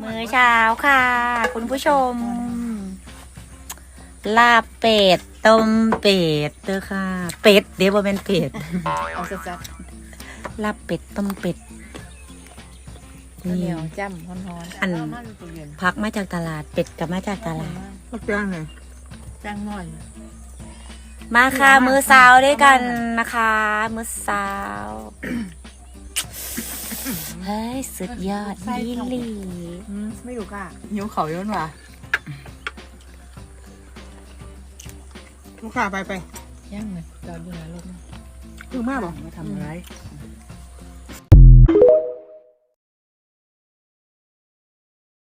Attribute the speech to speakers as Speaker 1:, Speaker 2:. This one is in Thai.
Speaker 1: มื้อเช้าค่ะ คุณผู้ชม ลาบเป็ดต้มเป็ดเด้อค่ะ เป็ดเดี๋ยวบ่เป็นเป็ด
Speaker 2: เอาสัด
Speaker 1: ลาบเป็ดต้มเป็ด
Speaker 2: ๆเหนียวจ้ำฮ้อนๆ
Speaker 1: อันพักมาจากตลาดเป็ดกับมาจากตลาด
Speaker 3: ก็จ้างไง
Speaker 2: จ้างหน่อย
Speaker 1: มาค่ะ มื้อเช้าด้วยกันนะคะ มื้อเช้า เฮ้ย สุดยอดดีหลี
Speaker 3: ไม่อยู่ค่ะ
Speaker 2: หิวเขาย้อนว่ะ
Speaker 3: ลูกค้าไป
Speaker 2: ย่างเลยจอดอยู่นะลูก
Speaker 3: คือมากบอก
Speaker 2: มาทำอะไร